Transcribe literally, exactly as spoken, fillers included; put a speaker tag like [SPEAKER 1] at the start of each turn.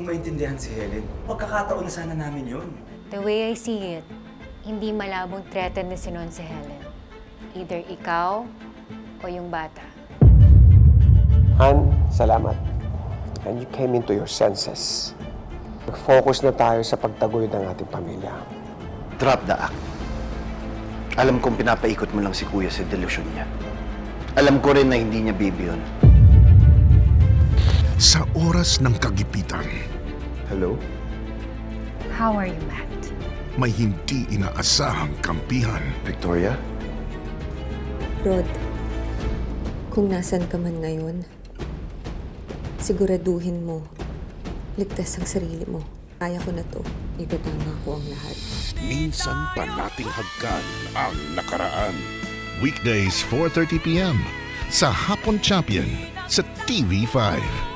[SPEAKER 1] kong maintindihan si Helen. Pagkakataon na sana namin yun.
[SPEAKER 2] The way I see it, hindi malabong threatened na si Non si Helen. Either ikaw o yung bata.
[SPEAKER 3] Han, salamat. And you came into your senses. Nag-focus na tayo sa pagtaguyod ng ating pamilya.
[SPEAKER 4] Drop the act. Alam kong pinapaikot mo lang si Kuya sa delusyon niya. Alam ko rin na hindi niya baby yun.
[SPEAKER 5] Sa oras ng kagipitan,
[SPEAKER 4] Hello?
[SPEAKER 2] How are you, Matt?
[SPEAKER 5] may hindi inaasahang kampihan.
[SPEAKER 4] Victoria?
[SPEAKER 6] Rod, kung nasan ka man ngayon, siguraduhin mo, ligtas ang sarili mo. Kaya ko na to. Itatama ko ang lahat.
[SPEAKER 5] Minsan pa nating hagkan ang nakaraan. Weekdays four thirty p m sa Hapon Champion sa T V five.